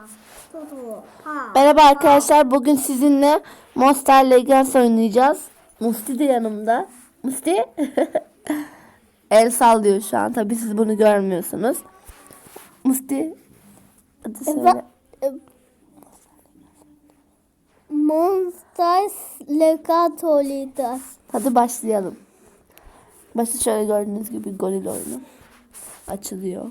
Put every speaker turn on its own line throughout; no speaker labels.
Merhaba arkadaşlar. Bugün sizinle Monster Legends oynayacağız. Musti de yanımda. Musti el sallıyor şu an. Tabii siz bunu görmüyorsunuz. Musti hadi söyle.
Monster Legends oynayacağız.
Hadi başlayalım. Başı şöyle gördüğünüz gibi goril oyunu. Açılıyor.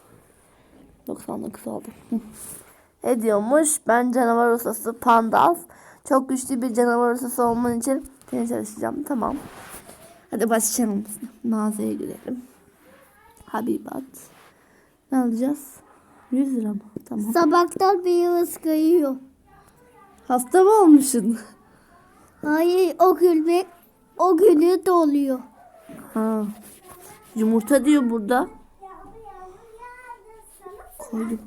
99 oldu. Ne diyormuş? Ben canavar ustası Pandalf. Çok güçlü bir canavar ustası olman için seni çalışacağım. Tamam. Hadi başlayalım. Mağazaya girelim. Habibat. Ne alacağız? 100 lira mı? Tamam.
Sabahtan bir yıldız kayıyor.
Hasta mı olmuşsun?
Hayır, o günü doluyor.
Ha. Yumurta diyor burada. Koydum.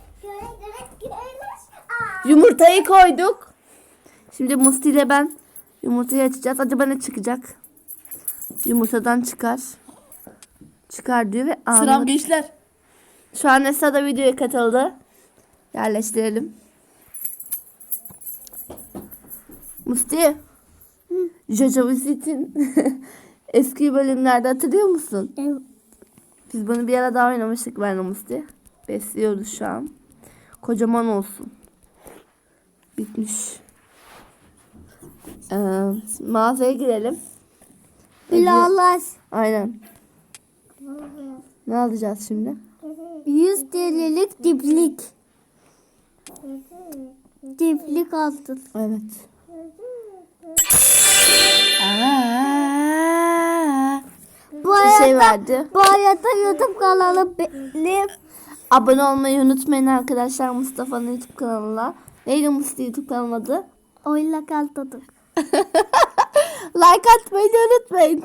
Yumurtayı koyduk. Şimdi Musti ile ben yumurtayı açacağız. Acaba ne çıkacak? Yumurtadan çıkar. Çıkar diyor ve
Sıram gençler.
Şu an Esra da videoya katıldı. Yerleştirelim. Musti. Jojo Visit'in eski bölümlerde hatırlıyor musun?
Evet.
Biz bunu bir ara daha oynamıştık ben Musti. Besliyoruz şu an. Kocaman olsun. Bitmiş. Mağazaya girelim.
Bilallah.
Aynen. Ne alacağız şimdi?
100 TL'lik diplik. Diplik aldın.
Evet.
Bu
Bir
arada,
şey verdi.
bu arada YouTube kanalı benim.
Abone olmayı unutmayın arkadaşlar Mustafa'nın YouTube kanalına. Neydi Mustafa YouTube kanalı adı?
Oyla kaltadık.
Like atmayı da unutmayın.